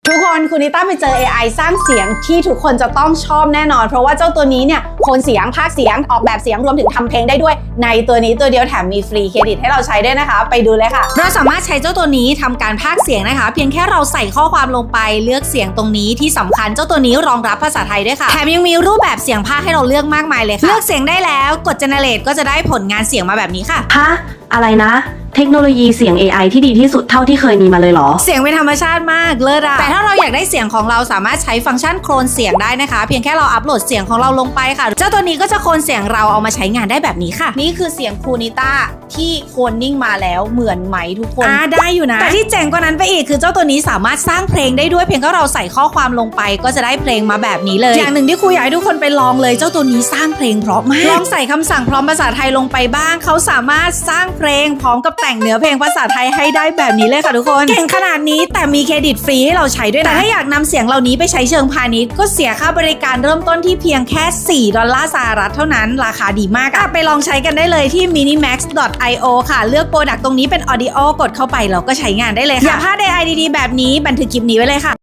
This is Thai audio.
ทุกคนคุณนิต้าไปเจอ AI สร้างเสียงที่ทุกคนจะต้องชอบแน่นอนเพราะว่าเจ้าตัวนี้เนี่ยโทนเสียงพากย์เสียงออกแบบเสียงรวมถึงทำเพลงได้ด้วยในตัวนี้ตัวเดียวแถมมีฟรีเครดิตให้เราใช้ด้วยนะคะไปดูเลยค่ะเราสามารถใช้เจ้าตัวนี้ทำการพากย์เสียงนะคะเพียงแค่เราใส่ข้อความลงไปเลือกเสียงตรงนี้ที่สำคัญเจ้าตัวนี้รองรับภาษาไทยด้วยค่ะแถมยังมีรูปแบบเสียงพากย์ให้เราเลือกมากมายเลยค่ะเลือกเสียงได้แล้วกด generate ก็จะได้ผลงานเสียงมาแบบนี้ค่ะฮะอะไรนะเทคโนโลยีเสียง AI ที่ดีที่สุดเท่าที่เคยมีมาเลยเหรอเสียงเป็นธรรมชาติมากเลิศอะแต่ถ้าเราอยากได้เสียงของเราสามารถใช้ฟังก์ชันโคลนเสียงได้นะคะเพียงแค่เราอัปโหลดเสียงของเราลงไปค่ะเจ้าตัวนี้ก็จะโคลนเสียงเราเอามาใช้งานได้แบบนี้ค่ะนี่คือเสียงครูนิต้าที่โคลนนิ่งมาแล้วเหมือนไหมทุกคนได้อยู่นะแต่ที่เจ๋งกว่านั้นไปอีกคือเจ้าตัวนี้สามารถสร้างเพลงได้ด้วยเพียงแค่เราใส่ข้อความลงไปก็จะได้เพลงมาแบบนี้เลยอย่างหนึ่งที่ครูอยากให้ทุกคนไปลองเลยเจ้าตัวนี้สร้างเพลงเพราะมากลองใส่คำสั่งพร้อมภาษาไทยลงไปบ้างเขาสามารถสร้างเพลงพร้อมกับแต่งเนื้อเพลงภาษาไทยให้ได้แบบนี้เลยค่ะทุกคนเก่งขนาดนี้แต่มีเครดิตฟรีให้เราใช้ด้วยนะแต่ถ้าอยากนำเสียงเหล่านี้ไปใช้เชิงพาณิชย์ก็เสียค่าบริการเริ่มต้นที่เพียงแค่$4เท่านั้นราคาดีมากไปลองใช้กันได้เลยที่ minimax.io ค่ะเลือกโปรดักต์ตรงนี้เป็น audio กดเข้าไปแล้วก็ใช้งานได้เลยค่ะอย่าพลาด AI ดีๆแบบนี้บันทึกคลิปนี้ไว้เลยค่ะ